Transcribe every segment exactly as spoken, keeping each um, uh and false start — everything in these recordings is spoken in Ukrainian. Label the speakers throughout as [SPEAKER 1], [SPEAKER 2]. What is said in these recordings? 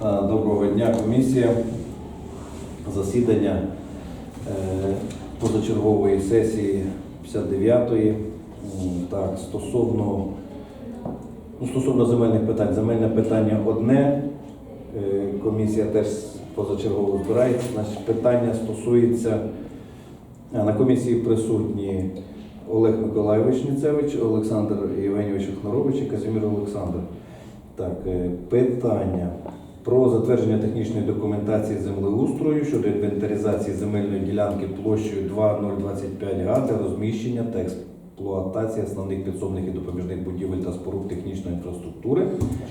[SPEAKER 1] Доброго дня, комісія. Засідання е, позачергової сесії п'ятдесят дев'ятої. Так, стосовно, ну, стосовно земельних питань. Земельне питання одне. Е, комісія теж позачергово збирається. Значить, питання стосується, а, на комісії присутні Олег Миколайович Ніцевич, Олександр Євгенійович Охнарович і Казимир Олександр. Так, е, питання про затвердження технічної документації землеустрою щодо інвентаризації земельної ділянки площею два нуль двадцять п'ять га для розміщення та експлуатації основних підсобних і допоміжних будівель та споруд технічної інфраструктури.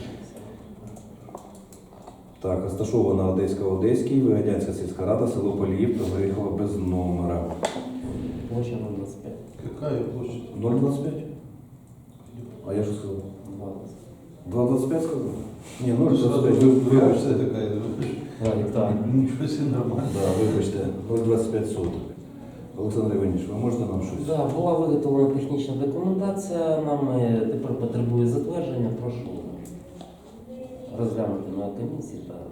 [SPEAKER 1] Так, розташована Одеська Одеський, Вигадянська сільська рада, село Поліївка, виїхала без номера.
[SPEAKER 2] Площа нуль двадцать пять.
[SPEAKER 3] Какая площадь?
[SPEAKER 1] нуль двадцять п'ять? А я що сказав?
[SPEAKER 2] двадцать.
[SPEAKER 1] два двадцять п'ять сказав? Ні, нуль
[SPEAKER 3] Сразу
[SPEAKER 1] двадцять п'ять. Ви-
[SPEAKER 3] реакция
[SPEAKER 1] Вибачте.
[SPEAKER 3] такая.
[SPEAKER 2] Да, гектар.
[SPEAKER 3] Ничего себе, нормально.
[SPEAKER 1] Да, вибачте, нуль двадцять п'ять соток. Олександр Іванович, ви можете нам щось?
[SPEAKER 2] Да, була виготовлена технічна документація, нам е, тепер потребує затвердження. Прошу розглянути на комісії та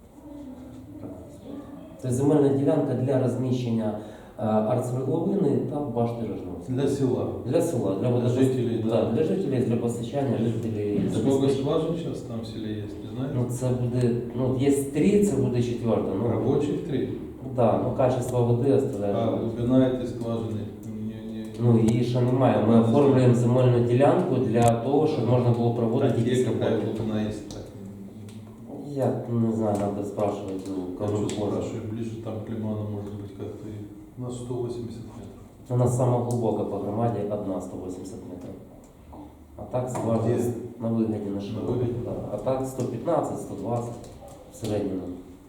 [SPEAKER 2] це земельна ділянка для розміщення е, артсвердловини та башти Рожновської.
[SPEAKER 3] Для села.
[SPEAKER 2] Для села, для, водопос-
[SPEAKER 3] жителей, да.
[SPEAKER 2] Да, для жителей, для постачання жителей.
[SPEAKER 3] Сколько
[SPEAKER 2] забезпечення.
[SPEAKER 3] скважин сейчас там в селе есть, не знаешь?
[SPEAKER 2] Ну, це буде, ну, є три, це буде четверта. Ну,
[SPEAKER 3] Рабочих три.
[SPEAKER 2] да, ну, качество води оставляє.
[SPEAKER 3] А глубина этой скважины не, не...
[SPEAKER 2] Ну, її ще немає. Ми оформлюємо земельну ділянку для того, щоб можна було проводити
[SPEAKER 3] Так,
[SPEAKER 2] якісь
[SPEAKER 3] где какая
[SPEAKER 2] роботи.
[SPEAKER 3] глубина есть? Так,
[SPEAKER 2] Я не знаю, треба спрашувати у
[SPEAKER 3] я
[SPEAKER 2] кого
[SPEAKER 3] что
[SPEAKER 2] можна.
[SPEAKER 3] спрашиваю, ближе там к лиману может быть как-то. и- У нас сто восемьдесят метров.
[SPEAKER 2] У нас сама глибока по громаді одна сто вісімдесят метрів. А так скважина
[SPEAKER 3] Де?
[SPEAKER 2] на вигляді на широко.
[SPEAKER 3] вигляді?
[SPEAKER 2] Да. А так сто п'ятнадцять сто двадцять в середньому.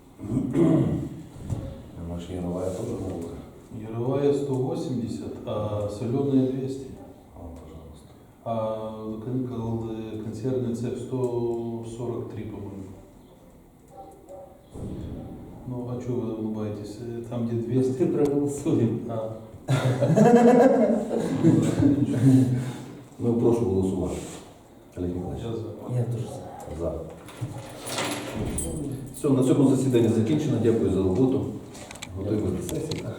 [SPEAKER 1] Наша Ярова теж глубока.
[SPEAKER 3] Яровая сто восемьдесят, а соленая двести.
[SPEAKER 1] О, пожалуйста.
[SPEAKER 3] А кон- кон- консервный цех сто сорок три, по-моему. Ну, а что вы улыбаетесь? Э, Там, где
[SPEAKER 2] Ти
[SPEAKER 3] двести...
[SPEAKER 2] проголосуємо.
[SPEAKER 3] А.
[SPEAKER 1] Ну, прошу голосувати. Олег Ніколаєвич.
[SPEAKER 3] Я за.
[SPEAKER 2] Я теж за.
[SPEAKER 1] За. Все, на цьому засідання закінчено. Дякую за роботу. Готуємо до сесії.